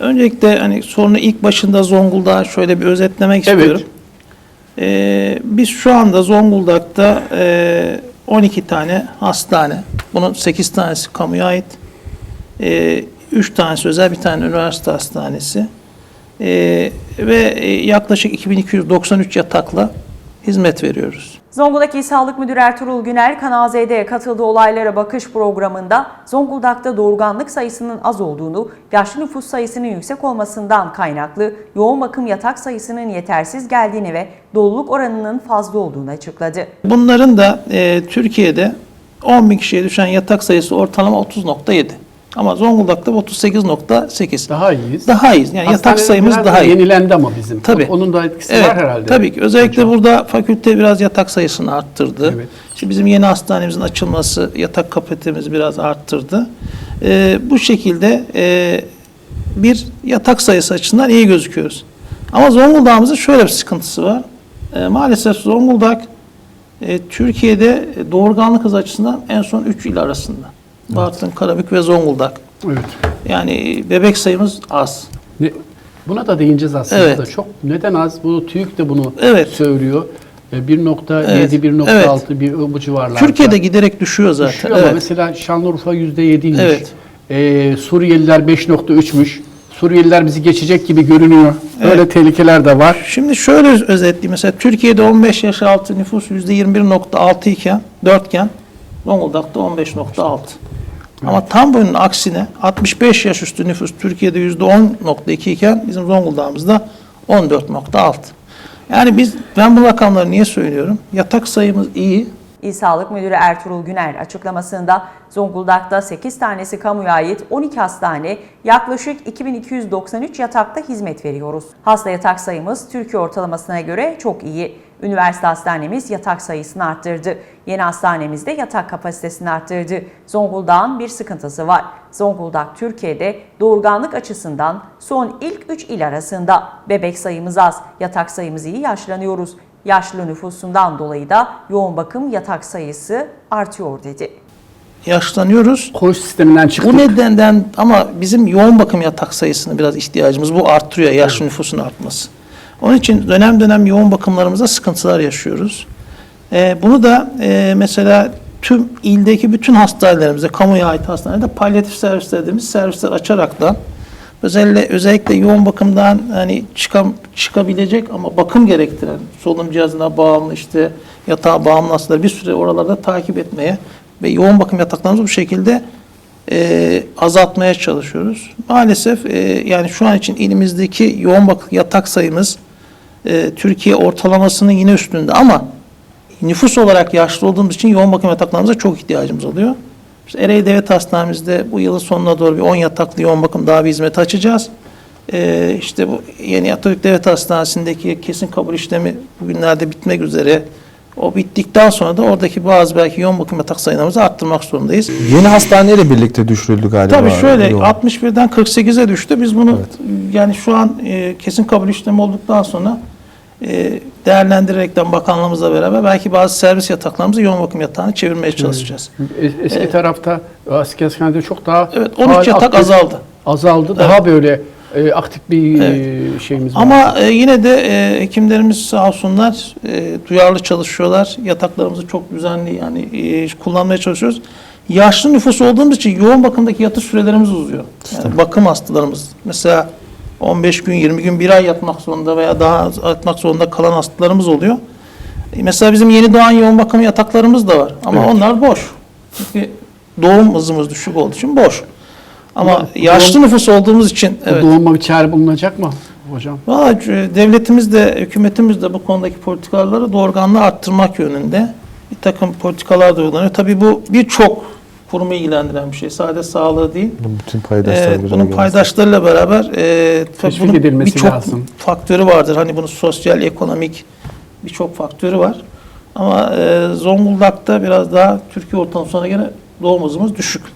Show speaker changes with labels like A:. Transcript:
A: Öncelikle hani sorunu ilk başında Zonguldak'ı şöyle bir özetlemek istiyorum. Biz şu anda Zonguldak'ta 12 tane hastane, bunun 8 tanesi kamuya ait, 3 tanesi özel, bir tane üniversite hastanesi ve yaklaşık 2293 yatakla hizmet veriyoruz.
B: Zonguldak İl Sağlık Müdürü Ertuğrul Günel, Kanal Z'de katıldığı Olaylara Bakış programında Zonguldak'ta doğurganlık sayısının az olduğunu, yaşlı nüfus sayısının yüksek olmasından kaynaklı yoğun bakım yatak sayısının yetersiz geldiğini ve doluluk oranının fazla olduğunu açıkladı.
A: Bunların da Türkiye'de 10.000 kişiye düşen yatak sayısı ortalama 30.7. Ama Zonguldak'ta 38.8.
C: Daha iyiyiz.
A: Daha iyiyiz. Yani yatak sayımız daha iyi.
C: Yenilendi ama bizim.
A: Tabii.
C: Onun da etkisi
A: Evet,
C: var herhalde.
A: tabii ki. Özellikle burada fakülte biraz yatak sayısını arttırdı.
C: Evet.
A: İşte bizim yeni hastanemizin açılması yatak kapasitemizi biraz arttırdı. Bu şekilde bir yatak sayısı açısından iyi gözüküyoruz. Ama Zonguldak'ımızın şöyle bir sıkıntısı var. Maalesef Zonguldak Türkiye'de doğurganlık hızı açısından en son 3 il arasında. Bartın, Karabük ve Zonguldak.
C: Evet.
A: Yani bebek sayımız az.
C: Buna da değineceğiz aslında.
A: Evet.
C: Da. Çok neden az? Bu TÜİK de bunu
A: Evet.
C: söylüyor. 1.7,
A: Evet.
C: 1.6 bir bu civarlarda.
A: Türkiye'de giderek düşüyor zaten.
C: Düşüyor ama mesela Şanlıurfa %7'ymiş.
A: Evet.
C: Suriyeliler 5.3'müş. Suriyeliler bizi geçecek gibi görünüyor. Böyle tehlikeler de var.
A: Şimdi şöyle özetleyeyim. Mesela Türkiye'de 15 yaş altı nüfus %21.6 iken, 4 iken Zonguldak'ta 15.6. Ama tam bunun aksine 65 yaş üstü nüfus Türkiye'de %10.2 iken bizim Zonguldak'ımızda 14.6. Yani ben bu rakamları niye söylüyorum? Yatak sayımız iyi.
B: İl Sağlık Müdürü Ertuğrul Günel açıklamasında Zonguldak'ta 8 tanesi kamuya ait 12 hastane, yaklaşık 2293 yatakta hizmet veriyoruz. Hasta yatak sayımız Türkiye ortalamasına göre çok iyi. Üniversite hastanemiz yatak sayısını arttırdı. Yeni hastanemiz de yatak kapasitesini arttırdı. Zonguldak'ın bir sıkıntısı var. Zonguldak Türkiye'de doğurganlık açısından son ilk 3 il arasında. Bebek sayımız az, yatak sayımız iyi, yaşlanıyoruz. Yaşlı nüfusundan dolayı da yoğun bakım yatak sayısı artıyor dedi.
A: Yaşlanıyoruz.
C: Koğuş sisteminden çıktık.
A: Bu nedenden ama bizim yoğun bakım yatak sayısına biraz ihtiyacımız. Bu arttırıyor yaşlı nüfusun artması. Onun için dönem dönem yoğun bakımlarımızda sıkıntılar yaşıyoruz. Bunu da mesela tüm ildeki bütün hastanelerimizde, kamuya ait hastanelerde palyatif servis dediğimiz servisler açaraktan özellikle yoğun bakımdan hani çıkabilecek ama bakım gerektiren solunum cihazına bağımlı işte yatağa bağımlı hastaları bir süre oralarda takip etmeye ve yoğun bakım yataklarımızı bu şekilde azaltmaya çalışıyoruz. Maalesef yani şu an için ilimizdeki yoğun bakım yatak sayımız Türkiye ortalamasının yine üstünde ama nüfus olarak yaşlı olduğumuz için yoğun bakım yataklarımıza çok ihtiyacımız oluyor. Biz Ereğli Devlet Hastanemizde bu yılın sonuna doğru bir 10 yataklı yoğun bakım daha bir hizmet açacağız. İşte bu yeni Atatürk Devlet Hastanesi'ndeki kesin kabul işlemi bugünlerde bitmek üzere. O bittikten sonra da oradaki bazı belki yoğun bakım yatak sayılarımızı arttırmak zorundayız.
D: Yeni hastaneyle birlikte düşürüldü galiba.
A: Tabii şöyle
D: yoğun.
A: 61'den 48'e düştü. Biz bunu yani şu an kesin kabul işlemi olduktan sonra değerlendirerekten bakanlığımızla beraber belki bazı servis yataklarımızı yoğun bakım yatağına çevirmeye çalışacağız.
C: Eski tarafta eski hastanede çok daha
A: 13 yatak azaldı.
C: Azaldı. Daha böyle aktif bir şeyimiz var.
A: Ama yine de hekimlerimiz sağ olsunlar duyarlı çalışıyorlar. Yataklarımızı çok düzenli yani kullanmaya çalışıyoruz. Yaşlı nüfus olduğumuz için yoğun bakımdaki yatış sürelerimiz uzuyor. Yani bakım hastalarımız mesela 15 gün, 20 gün, bir ay yatmak zorunda veya daha yatmak zorunda kalan hastalarımız oluyor. Mesela bizim yeni doğan yoğun bakım yataklarımız da var. Ama onlar boş. Çünkü doğum hızımız düşük olduğu için boş. Ama yaşlı nüfus olduğumuz için
C: doğuma bir çare bulunacak mı hocam?
A: Valla devletimiz de, hükümetimiz de bu konudaki politikaları doğurganlığı arttırmak yönünde bir takım politikalar da uygulanıyor. Tabii bu birçok kurumu ilgilendiren bir şey. Sadece sağlığı değil. Bunun paydaşlarıyla beraber bunun birçok faktörü vardır. Hani bunun sosyal, ekonomik birçok faktörü var. Ama Zonguldak'ta biraz daha Türkiye ortalamasına göre doğum hızımız düşük.